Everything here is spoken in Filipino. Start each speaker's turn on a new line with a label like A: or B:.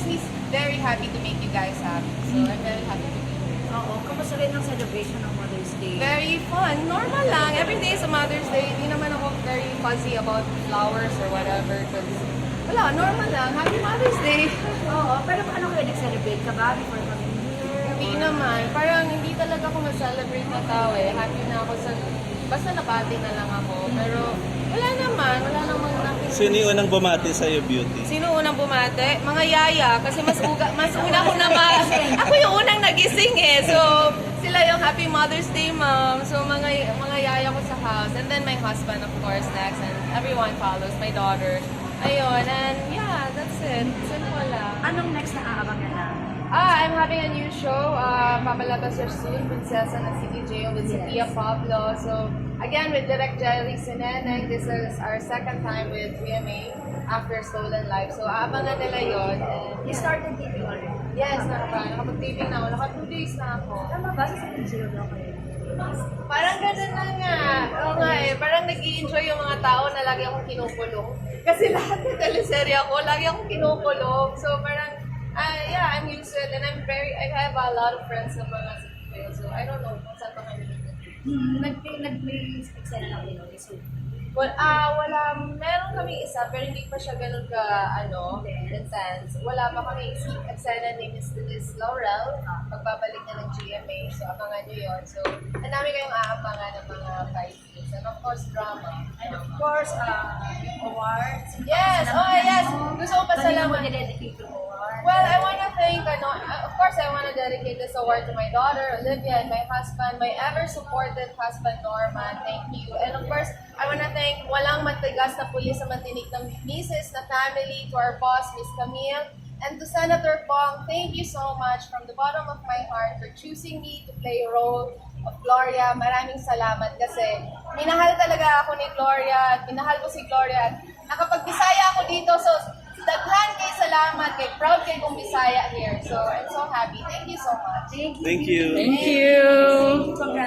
A: me very happy to make you guys happy. So I'm very happy to be here.
B: Oo, kamusta rin ang celebration ng Mother's Day?
A: Very fun. Normal lang. Every day is a Mother's Day. Hindi naman ako very fuzzy about flowers or whatever. Cause wala, normal lang. Happy Mother's Day.
B: Oo, pero paano kayo nag-celebrate ka ba before coming here?
A: Hindi naman. Parang hindi talaga ako mag-celebrate na tao eh. Happy na ako sa... Basta nabati na lang ako. Pero wala naman. Wala namang nakikita.
C: Sino yung unang bumati sa'yo, Beauty?
A: Sino unang bumate? Mga yaya. Kasi mas una ko na ako yung unang nagising eh. So, sila yung Happy Mother's Day, Mom. So, mga yaya ko sa house. And then my husband, of course, next. And everyone follows. My daughter. Ayun. And yeah, that's it. Simple lang.
B: Anong next na aabangan na?
A: I'm having a new show. Papalabas siya soon. Prinsesa ng CDJ with Sophia Pablo. So, again, with Direct Jelly Sineneng. This is our second time with VMA after Stolen Life. So, aabangan nila yun. And,
B: You started TV already?
A: yes, nakapag-taping na ako. Naka 2 days na ako.
B: Tama ba? Sa zero daw kayo?
A: Parang ganun na nga. Oo nga eh. Parang nag-i-enjoy yung mga tao na lagi akong kinukulong. Kasi lahat ng teleserye ako, lagi akong kinukulong. So, parang, yeah, I'm used to it. And I have a lot of friends sa mga CPO. So, I don't know kung saan pa kami dito.
B: Nag-play eksena lang din ulit. So,
A: Well, wala. Meron kami isa, pero hindi pa siya ganun ka, intense. Wala pa kami eksena ni Miss Laurel. Pagbabalik na ng GMA. So, abangan nyo yun. So, ang dami kayong aabangan ng mga fights. And of course, drama.
B: and of course, awards.
A: Yes! Oh, yes! Gusto ko
B: Kanina mo
A: pasalamat.
B: nire-dedicate yung award.
A: Well, I want to thank, of course, I want to dedicate this award to my daughter, Olivia, and my husband, my ever-supported husband, Norman. Thank you. And of course, I want to thank walang matigas na pulis sa mantinig ng misis na family, to our boss, Miss Camille, and to Senator Pong. Thank you so much from the bottom of my heart for choosing me to play a role of Gloria. Maraming salamat kasi minahal talaga ako ni Gloria at minahal ko si Gloria at nakapag-Bisaya ako dito. So, daghan kay salamat, kay proud kay kong Bisaya here. So, I'm so happy. Thank you so much.
B: Thank you.
C: Thank you.
A: Thank you.
B: Congrats.